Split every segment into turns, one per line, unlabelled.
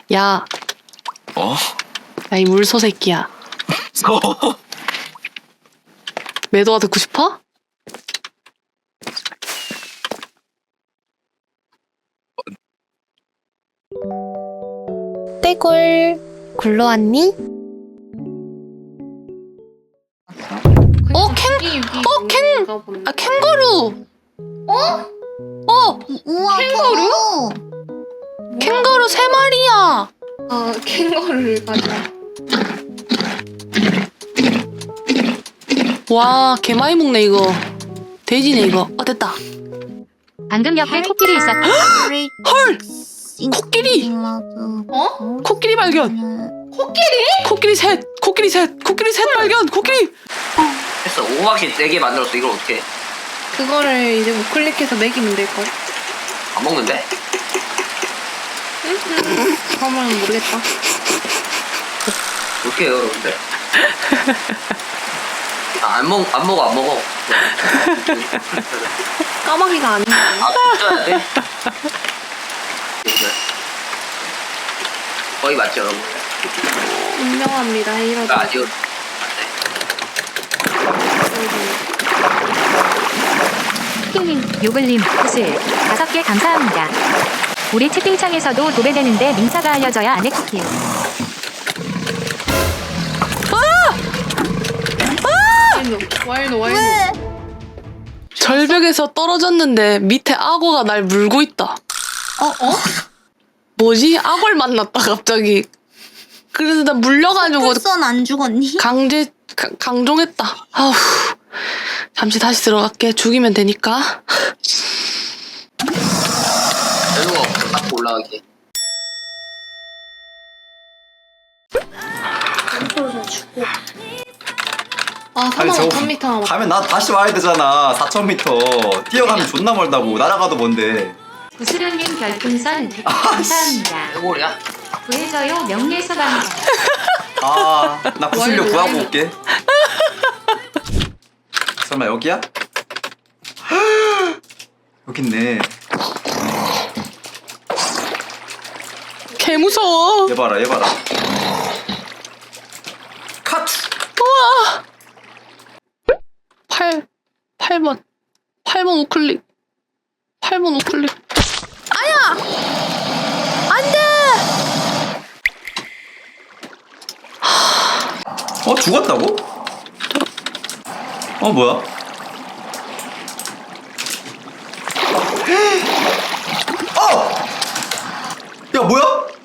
야,
어?
야, 이 물소 새끼야. 매도가 듣고 싶어? 떼굴 굴러왔니? 캥거루!
우와,
캥거루?
캥거루 3마리야!
아, 캥거루를 가져.
와, 개 많이 먹네, 이거. 돼지네, 이거. 됐다.
방금 옆에 코끼리 있었다.
헐! 코끼리!
어?
코끼리 발견! 코끼리 셋! 코끼리 셋 발견! 코끼리!
했어. 오막이 4개 만들었어. 이걸 어떻게 해?
그거를 이제 뭐 클릭해서 먹이면 될걸?
안 먹는데?
그러면 모르겠다.
어떻게 해요, 여러분들? 안 먹어.
까마귀가 아니야.
쪄야 돼? 거의 맞죠, 여러분?
인정합니다. 이러다.
아니요.
킹님, 요글님, 구슬 5개 감사합니다. 우리 채팅창에서도 도배되는데 민사가 알려져야 안해 쿠키.
와일노.
절벽에서 떨어졌는데 밑에 악어가 날 물고 있다. 뭐지? 악어를 만났다, 갑자기. 그래서 나 물려가지고
선 안 죽었니?
강종했다. 아우. 잠시 다시 들어갈게. 죽이면 되니까.
별로가 없어. 딱 올라가게.
아,
아니,
35,000m 남았다.
가면 나 다시 와야 되잖아. 4,000m 뛰어가면 존나 멀다고. 날아가도 먼데.
구슬현님 별풍선 100개 감사합니다.
해골이야?
구해줘요 명예서방자.
나 구슬려 구하고 올게. 설마 여기야? 여기 있네.
개 무서워.
얘 봐라. 카트.
우와. 8번 우클릭. 8번 우클릭. 아야! 안 돼!
죽었다고? 뭐야? 야, 뭐야?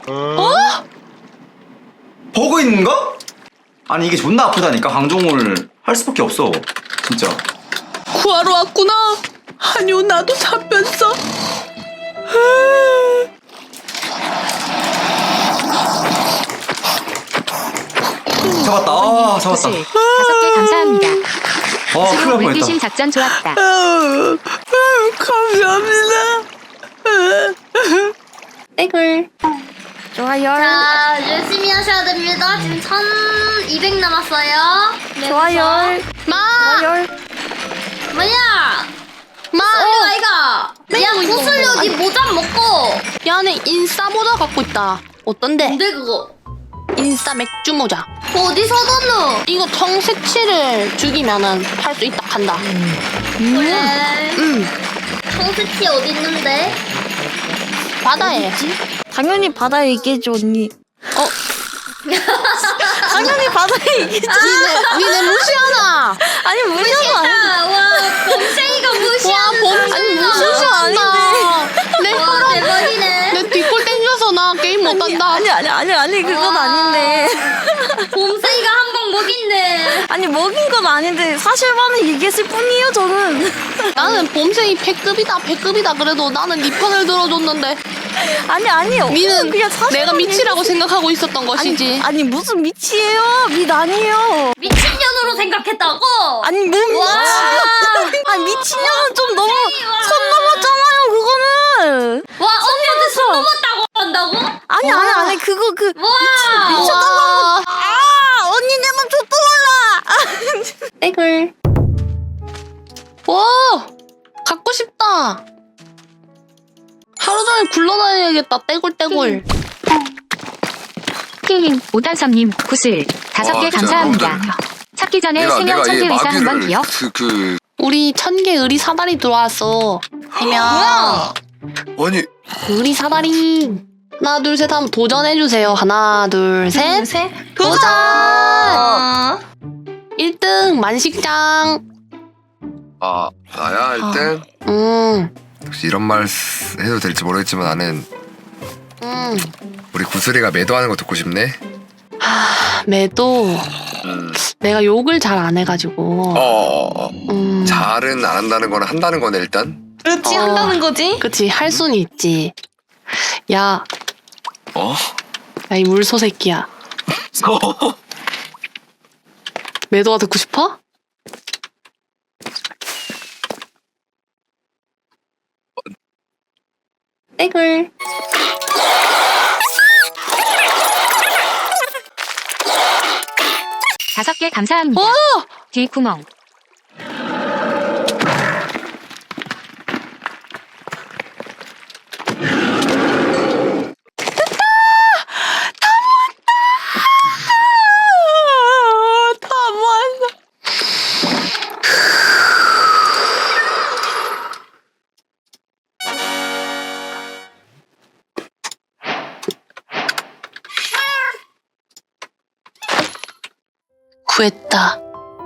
버그 있는가? 아니, 이게 존나 아프다니까. 강종을 할 수밖에 없어. 진짜.
구하러 왔구나. 아니요, 나도 잡혔어.
잡았다. 잡았다.
구슬 5개 감사합니다.
큰일 날 뻔했다.
물귀신 작전 좋았다.
감사합니다.
떼굴.
좋아요.
자, 열심히 하셔야 됩니다. 지금 1200 남았어요.
좋아요.
뭐야?
마.
아이가. 야, 구슬려 니 모자 먹고.
야, 내 인싸 모자 갖고 있다. 어떤데?
뭔데 그거?
인싸 맥주 모자.
어디서 뒀노?
이거 청새치를 죽이면은 할 수 있다 한다.
그래. 청새치 어디 있는데?
바다에.
당연히 바다에 있겠지 언니. 당연히 바다에 있겠지.
니네 무시하나?
아니 무시하고 아니.
와, 범생이가 무시하는
아니
무시하고
무시한다. 내
와, 대박이네.
내 뒷골 땡겨서 나 게임 못한다.
아니 그건
와.
아닌데.
범생이가 한 방 먹인데.
아니 먹인 건 아닌데 사실만을 얘기했을 뿐이에요 저는.
나는 봄생이 100급이다 그래도 나는 네 편을 들어줬는데
아니요.
니는
그냥 사실만
내가 미치라고
얘기했-
생각하고 있었던 것이지.
아니 무슨 미치예요? 미 아니에요.
미친년으로 생각했다고?
아니 뭐 미치?
와.
아니 미친년은 좀 너무
와.
선 넘었잖아요 그거는.
와, 언니한테 손 넘었다고 한다고?
아니 그거
와.
미쳤다고. 언니 내 맘 좆도 몰라.
떼굴.
와 갖고 싶다. 하루 종일 굴러다녀야겠다. 떼굴
쿠킹님, 오탄섬님, 구슬 5개 감사합니다. 찾기 전에 생명 천개 의사 한번 기억.
우리 1000개 의리 사다리 들어왔어. 해명.
아니
의리 사다리. 하나 둘 셋 하면 도전해주세요. 하나 둘 셋. 도전! 1등 만식장.
아 나야 1등? 혹시 이런 말 해도 될지 모르겠지만 나는 우리 구슬이가 매도하는 거 듣고 싶네.
매도 내가 욕을 잘 안 해가지고.
잘은 안 한다는 거는 한다는 거네 일단.
그렇지 한다는 거지.
그치 할 수는 있지. 야,
어?
야 이 물소 새끼야. 매도가 듣고 싶어?
떼굴.
다섯 개 감사합니다. 뒷구멍.
다 모았어. 구했다.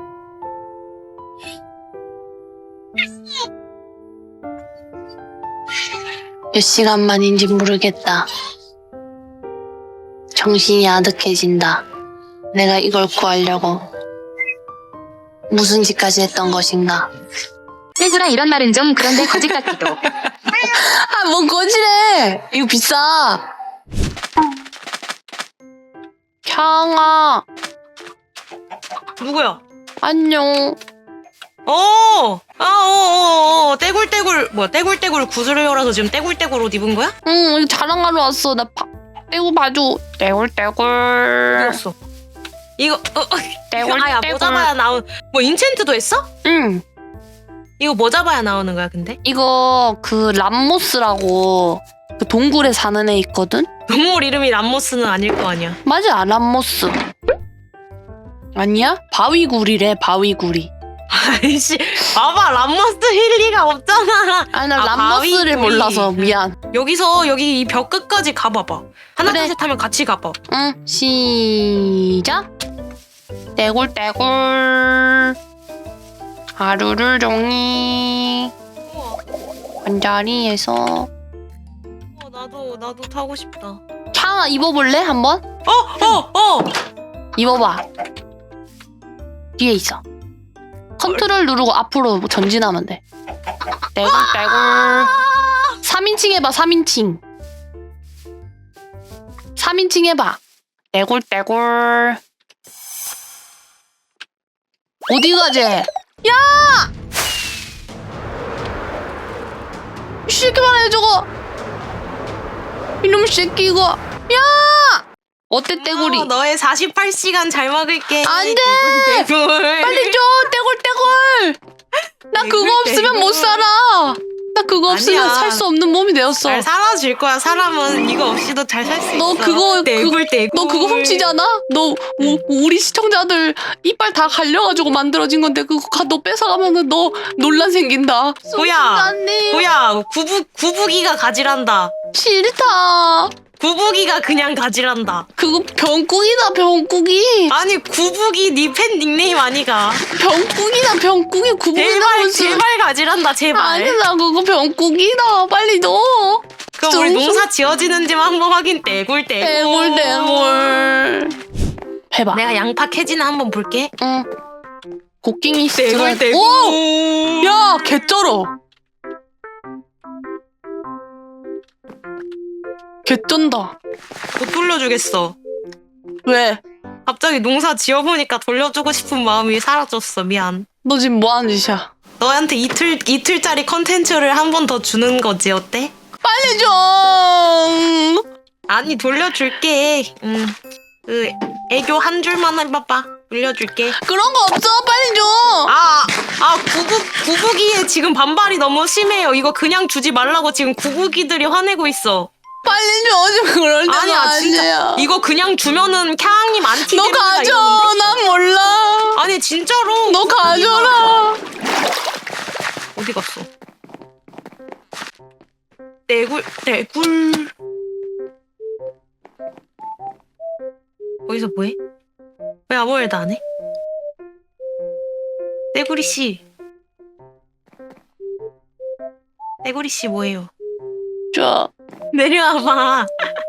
몇 시간 만인지 모르겠다. 정신이 아득해진다. 내가 이걸 구하려고 무슨 짓까지 했던 것인가.
떼구라 이런 말은 좀 그런데 거짓 같기도.
아, 뭔 거지래. 이거 비싸. 향아,
누구야?
안녕.
떼굴떼굴 뭐야? 떼굴떼굴 구슬려라서 지금 떼굴떼굴 옷 입은 거야?
응, 이거 자랑하러 왔어. 나 떼고 봐줘. 떼굴떼굴.
어디였어? 이거
떼굴,
아야 뭐
떼굴.
잡아야 나온 뭐 인챈트도 했어?
응.
이거 뭐 잡아야 나오는 거야 근데?
이거 그 람모스라고 그 동굴에 사는 애 있거든?
동물 이름이 람모스는 아닐 거 아니야.
맞아, 람모스. 아니야? 바위구리래, 바위구리.
아이씨 봐봐 람모스 힐 리가 없잖아.
아니, 나
아,
람모스를
바위구리.
몰라서 미안.
여기서 여기 이 벽 끝까지 가봐봐. 하나
그래.
둘 셋 하면 같이 가봐.
응, 시작. 떼굴떼굴. 하루를 종일 한자리에서.
나도 타고 싶다.
향아, 입어볼래? 한번? 입어봐. 뒤에 있어. 컨트롤 누르고 앞으로 전진하면 돼. 떼굴떼굴. 3인칭 해봐, 3인칭. 3인칭 해봐. 떼굴떼굴. 어디 가재? 야! 이 새끼만 해, 저거. 이놈 새끼, 이거. 야! 어때, 떼굴이?
너의 48시간 잘 먹을게.
안 돼!
떼굴.
빨리 줘! 떼굴떼굴! 나 그거 없으면 못 살아! 나 그거 없으면
아니야.
살 수 없는 몸이 되었어.
잘 살아줄 거야. 사람은 이거 없이도 잘 살 수 있어.
너 그거
떼굴떼굴.
너 그거 훔치잖아? 너 우리 시청자들 이빨 다 갈려가지고 만들어진 건데 그거 너 뺏어가면은 너 논란 생긴다.
뭐야 구부기가 가지란다.
싫다.
구부기가 그냥 가지란다.
그거 병국이다, 병국이.
아니 구부기 니 팬 닉네임 아니가.
병국이다, 병국이. 구부기다 무슨.
제발 가지란다 제발.
아니, 나 그거 병국이다. 빨리 넣어.
그럼 우리 농사 지어지는지만 한번 확인. 떼굴떼굴.
떼굴떼굴. 해봐.
내가 양파 캐지나 한번 볼게.
응. 곡괭이
떼굴떼굴.
오! 야, 개쩔어. 개쩐다.
못 돌려주겠어.
왜?
갑자기 농사 지어보니까 돌려주고 싶은 마음이 사라졌어. 미안.
너 지금 뭐 하는 짓이야?
너한테 이틀짜리 컨텐츠를 한 번 더 주는 거지. 어때?
빨리 줘.
아니 돌려줄게. 그 애교 한 줄만 해봐봐. 돌려줄게.
그런 거 없어. 빨리 줘.
구부기에 지금 반발이 너무 심해요. 이거 그냥 주지 말라고 지금 구부기들이 화내고 있어.
빨리 줘. 지금 그럴 때가
아니야 진짜
아니야.
이거 이거 그냥 주면은 캬님 안 튀게.
너 가져. 난 몰라.
아니 진짜로.
너 가져라.
어디 갔어? 떼굴. 거기서 뭐해? 왜 아무 말도 안 해? 떼구리 씨. 떼구리 씨 뭐예요?
자,
내려와봐.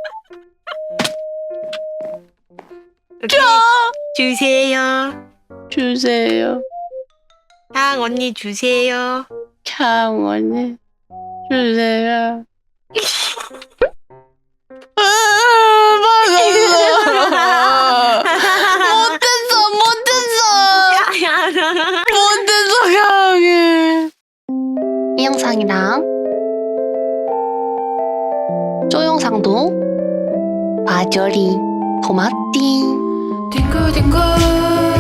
여기 주세요.
주세요.
향 언니 주세요.
캬, 언니. 주세요. 못했어, 향이. 이 영상이랑 쪼 영상도 봐줘리 고맙디.
딩글딩글